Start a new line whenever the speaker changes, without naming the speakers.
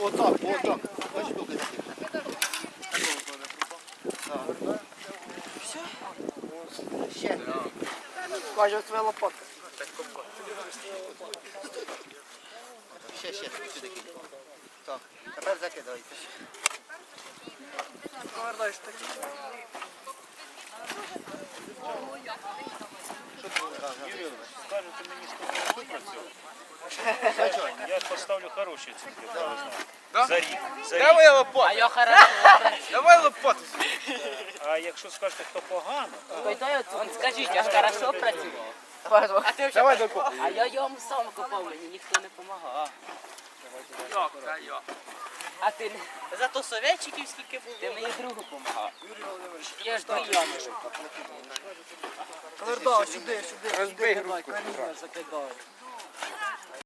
Отак. Ось штуки такі. Все? Ще. Каже, своя лопатка. Ще, сюди кидай. Так, тепер закидайте. Повертаєш такі.
Юрій, скажете мені, що ви працюєте? Я поставлю хороші оцінки. За рік.
Давай лопату.
А я хорошо працюю.
Давай лопату.
А якщо скажете, хто погано,
Он скажіть, я ж хорошо працював. А ти
Давай
вже...
докопай.
А я йому сам копав, мені ніхто не допомагав. А ти не...
Зато советчиків скільки було.
Ти мені другу допомагав. Я ж до ями.
Коверда, сюди.
Розбий
Давай,
грудку.
коріння закидай.